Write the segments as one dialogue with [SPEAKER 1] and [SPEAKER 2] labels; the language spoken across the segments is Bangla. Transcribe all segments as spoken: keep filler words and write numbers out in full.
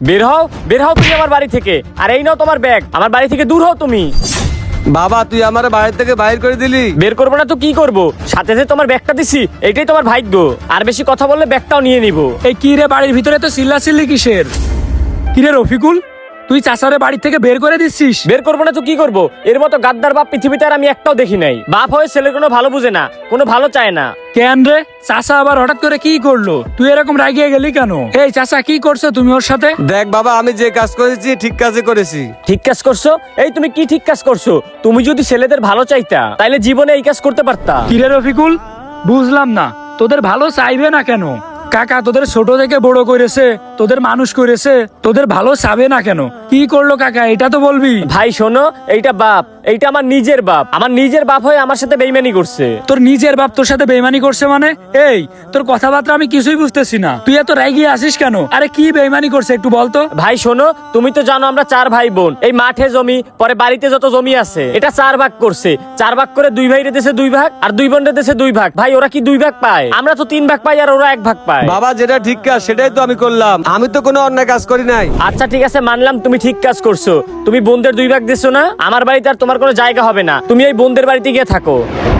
[SPEAKER 1] বের হও, বের হও তুমি আমার বাড়ি থেকে। আর এই নাও তোমার ব্যাগ, আমার বাড়ি থেকে দূর হও তুমি।
[SPEAKER 2] বাবা তুই আমার বাড়ি থেকে বাইর করে দিলি।
[SPEAKER 1] বের করবো না তো কি করব, সাথে সাথে তোমার ব্যাগটা দিছি, এটাই তোমার ভাগ্য। আর বেশি কথা বললে ব্যাগটাও নিয়ে নিব।
[SPEAKER 3] এই কি রে, বাড়ির ভিতরে তো চিল্লা চিল্লি কিসের? কি রে রফিকুল, তুই চাচারে বাড়ি থেকে বের করে দিচ্ছিস?
[SPEAKER 1] বের করবো না তো কি করব, এর মতো গাদ্দার বাপ পৃথিবীতে আর আমি একটাও দেখি নাই। বাপ হয়ে ছেলের কোনো ভালো বুঝে না, কোনো ভালো চায় না।
[SPEAKER 3] কেন রে, চাচা আবার হঠাৎ করে কি করলো? তুই এরকম রাগিয়ে গেলি কেন? এই চাচা কি করছো তুমি ওর সাথে?
[SPEAKER 2] দেখ বাবা, আমি যে কাজ করেছি ঠিক কাজে করেছি।
[SPEAKER 1] ঠিক কাজ করছো? এই তুমি কি ঠিক কাজ করছো? তুমি যদি ছেলেদের ভালো চাইতা তাইলে জীবনে এই কাজ করতে পারতা।
[SPEAKER 3] কি রে রফিকুল, বুঝলাম না, তোদের ভালো চাইবে না কেন? কাকা তোদের ছোট থেকে বড় করেছে, তোদের মানুষ করেছে, তোদের ভালো চাবে না কেন? কি করলো কাকা এটা তো বলবি।
[SPEAKER 1] ভাই শোনো, এইটা বাপ, এইটা আমার নিজের বাপ। আমার নিজের বাপ হয়ে আমার সাথে বেইমানি করছে।
[SPEAKER 3] তোর নিজের বাপ তোর সাথে বেইমানি করছে মানে? এই তোর কথাবার্তা আমি কিছুই বুঝতেছি না, তুই এত রাগিয়ে আসিস কেন? আরে কি বেইমানি করছে একটু বলতো।
[SPEAKER 1] ভাই শোনো, তুমি তো জানো আমরা চার ভাই বোন। এই মাঠে জমি, পরে বাড়িতে যত জমি আছে এটা চার ভাগ করছে। চার ভাগ করে দুই ভাই রেতেছে দুই ভাগ, আর দুই বোন রেতেছে দুই ভাগ। ভাই ওরা কি দুই ভাগ পায়? আমরা তো তিন ভাগ পাই, আর ওরা এক ভাগ পায়।
[SPEAKER 2] বাবা যেটা ঠিক কাজ সেটাই তো আমি করলাম, আমি তো কোনো অন্যায় কাজ করি নাই।
[SPEAKER 1] আচ্ছা ঠিক আছে, মানলাম তুমি ঠিক কাজ করছো। তুমি বোনদের দুই ভাগ দিছো না, আমার বাড়িতে আর তোমার কোনো জায়গা হবে না। তুমি এই বোনদের বাড়িতে গিয়ে থাকো।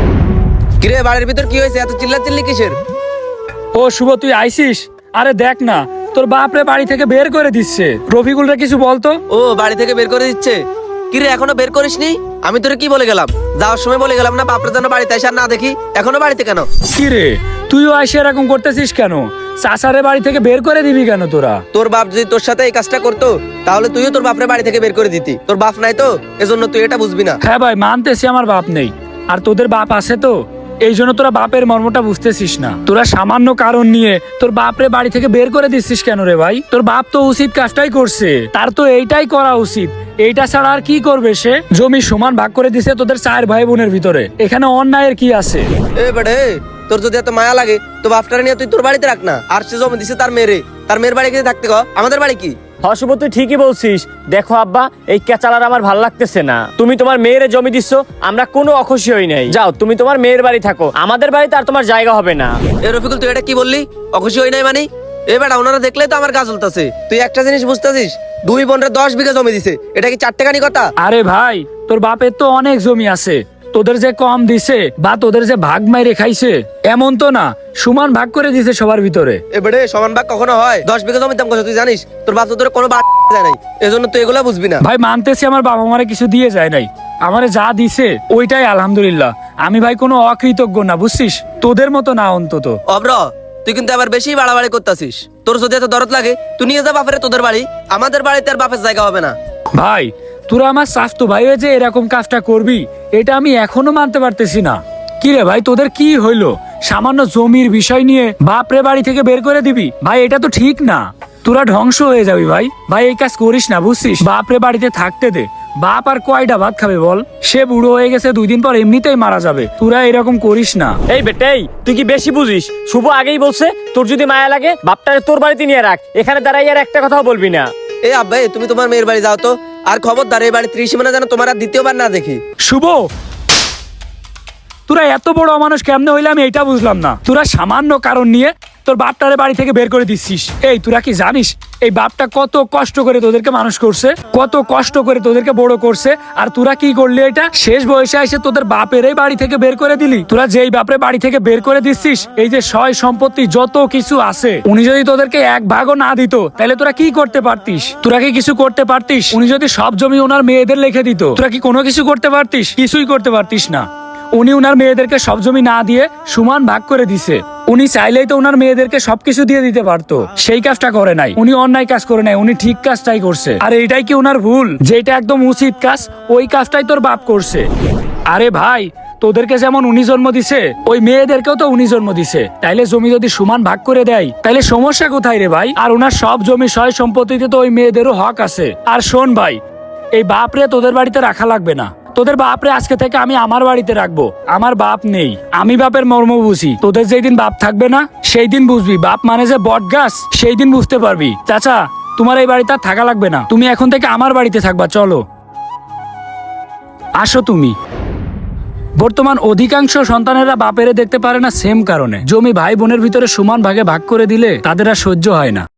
[SPEAKER 4] কিরে বাড়ির ভিতর কি হয়েছে? এত চিল্লা চিল্লি কিসের?
[SPEAKER 3] ও শুভ, তুই আইসিস? আরে দেখ না, তোর বাপরে বাড়ি থেকে বের করে দিচ্ছে। রফিকুল রে কিছু বলতো।
[SPEAKER 4] ও বাড়ি থেকে বের করে দিচ্ছে? কিরে এখনো বের করিসনি? আমি তোরে কি বলে গেলাম? যাওয়ার সময় বলে গেলাম না বাপরে যেন বাড়িতে এসে আর না দেখি। এখনো বাড়িতে কেন?
[SPEAKER 3] কি রে, তুইও আইসে এরকম করতেছিস কেন? চাচারে বাড়ি থেকে বের করে দিবি কেন তোরা?
[SPEAKER 4] তোর বাপ যদি তোর সাথে এই কাজটা করতো তাহলে তুইও তোর বাপরে বাড়ি থেকে বের করে দিতি। তোর বাপ নাই তো, এজন্য তুই এটা বুঝবি না।
[SPEAKER 3] হ্যাঁ ভাই, মানতেছি আমার বাপ নেই, আর তোদের বাপ আছে তো, এই জন্য তোরা বাপের মর্মটা বুঝতেছিস না। তোরা সামান্য কারণ নিয়ে তোর বাপরে বাড়ি থেকে বের করে দিচ্ছিস কেন রে ভাই? তোর বাপ তো উচিত কাজটাই করছে, তার তো এইটাই করা উচিত। এইটা ছাড়া আর কি করবে সে? জমি সমান ভাগ করে দিছে তোদের চার ভাই বোনের ভিতরে, এখানে অন্যায়ের কি আছে?
[SPEAKER 4] এ বেড়ে, তোর যদি এত মায়া লাগে তো বাপটারে নিয়ে তুই তোর বাড়িতে রাখ না। আর সে জমি দিছে তার মেয়েরে, তার মেয়ের বাড়ি গিয়ে থাকতে ক, আমাদের বাড়ি কি?
[SPEAKER 1] হশুভ তুই ঠিকই বলছিস। দেখো আব্বা, এই কেচালার আমার ভাল লাগতেছে না। তুমি তোমার মেয়ের জমি দিচ্ছ, আমরা কোনো অখুশি হই নাই। যাও তুমি তোমার মেয়ের বাড়ি থাকো, আমাদের বাড়িতে আর তোমার জায়গা হবে না।
[SPEAKER 4] এ রফিকুল, তুই এটা কি বললি? অখুশি হই নাই মানে? এ বেটা, ওনারা দেখলেই তো আমার গা জ্বলতাছে। তুই একটা জিনিস বুঝতেছিস, দুই বোনরে দশ বিঘা জমি দিছে, এটা কি চারটেখানি কথা?
[SPEAKER 3] আরে ভাই, তোর বাপের তো অনেক জমি আছে, তোদের যে কম দিছে বা তোদের যে ভাগ মাইরে খাইছে এমন তো না, সমান ভাগ করে দিছে সবার ভিতরে।
[SPEAKER 4] এ বেড়ে, সমান ভাগ কখনো হয়? দশ বিঘা জমির দাম কত তুই জানিস? তোর বাপ তো তোর কোনো বাদ যায় নাই, এজন্য তুই এগুলা বুঝবি না।
[SPEAKER 3] ভাই মানতেছি আমার বাবা মারে কিছু দিয়ে যায় নাই, আমারে যা দিছে ওইটাই আলহামদুলিল্লাহ। আমি ভাই কোনো অকৃতজ্ঞ না, বুঝছিস? তোদের মতো না অন্তত।
[SPEAKER 4] অব্র, তুই কিন্তু আবার বেশি বাড়াবাড়ি করতেছিস। তোর যদি এত দরদ লাগে তুই নিয়ে যা বাপের তোদের বাড়ি, আমাদের বাড়িতে আর বাপের জায়গা হবে না।
[SPEAKER 3] ভাই তোরা আমার স্বাস্থ্য ভাই হয়ে যে এরকম কাজটা করবি, এটা আমি এখনো মানতে পারতেছি না। কি রে ভাই, তোদের কি হইলো? সামান্য জমির বিষয় নিয়ে বাপরে বাড়ি থেকে বের করে দিবি? ভাই এটা তো ঠিক না, তোরা ধ্বংস হয়ে যাবি ভাই। ভাই এই কাজ করিস না, বুঝছিস? বাপরে বাড়িতে থাকতে দে। বাপ আর কয়টা ভাত খাবে বল? সে বুড়ো হয়ে গেছে, দুই দিন পর এমনিতেই মারা যাবে। তোরা এরকম করিস না।
[SPEAKER 1] এই বেটাই, তুই কি বেশি বুঝিস? শুভ আগেই বলছে, তোর যদি মায়া লাগে বাপটারে তোর বাড়িতে নিয়ে রাখ, এখানে দাঁড়াই আর একটা কথাও বলবি না।
[SPEAKER 4] এই আব্বা, তুমি তোমার মেয়ের বাড়ি যাও তো। আর খবরদার এই বাড়ি ত্রিসীমানা যেন তোমার আর দ্বিতীয়বার না দেখি।
[SPEAKER 3] শুভ, তোরা এত বড় মানুষ কেমনে হইলে আমি এটা বুঝলাম না। তোরা সামান্য কারণ নিয়ে তোর বাপটারে বাড়ি থেকে বের করে দিচ্ছিস। এই তোরা কি জানিস এই বাপটা কত কষ্ট করে তোদেরকে মানুষ করছে, কত কষ্ট করে তোদেরকে বড় করছে? আর তোরা কি করলি? এটা শেষ বয়সে এসে তোদের বাপেরই বাড়ি থেকে বের করে দিলি। তোরা যেই বাপরে বাড়ি থেকে বের করে দিচ্ছিস, এই যে সয় সম্পত্তি যত কিছু আছে, উনি যদি তোদেরকে এক ভাগও না দিত তাহলে তোরা কি করতে পারতিস? তোরা কি কিছু করতে পারতিস? উনি যদি সব জমি ওনার মেয়েদের লিখে দিত, তোরা কি কোনো কিছু করতে পারতিস? কিছুই করতে পারতিস না। উনি উনার মেয়েদেরকে সব জমি না দিয়ে সমান ভাগ করে দিছে। উনি চাইলেই তো উনার মেয়েদেরকে সবকিছু দিয়ে দিতে পারতো, সেই কাজটা করে নাই। উনি অন্যায় কাজ করে নাই, উনি ঠিক কাজটাই করছে। আর এইটাই কি উনার ভুল? যেটা একদম উচিত কাজ ওই কাজটাই তোর বাপ করছে। আরে ভাই, তোদেরকে যেমন উনি জন্ম দিছে, ওই মেয়েদেরকেও তো উনি জন্ম দিছে। তাইলে জমি যদি সমান ভাগ করে দেয় তাইলে সমস্যা কোথায় রে ভাই? আর উনার সব জমি সয় সম্পত্তিতে তো ওই মেয়েদেরও হক আছে। আর শোন ভাই, এই বাপরে তোদের বাড়িতে রাখা লাগবে না। তোদের বাপরে আজকে থেকে আমি আমার বাড়িতে রাখবো। আমার বাপ নেই, আমি বাপের মর্ম বুঝি। তোদের যেই দিন বাপ থাকবে না সেই দিন বুঝবি বাপ মানে যে বট গাছ, সেই দিন বুঝতে পারবি। চাচা, তোমার এই বাড়িতে থাকা লাগবে না, তুমি এখন থেকে আমার বাড়িতে থাকবা। চলো আসো তুমি। বর্তমান অধিকাংশ সন্তানেরা বাপেরে দেখতে পারে না সেম কারণে। জমি ভাই বোনের ভিতরে সমান ভাগে ভাগ করে দিলে তাদের আর সহ্য হয় না।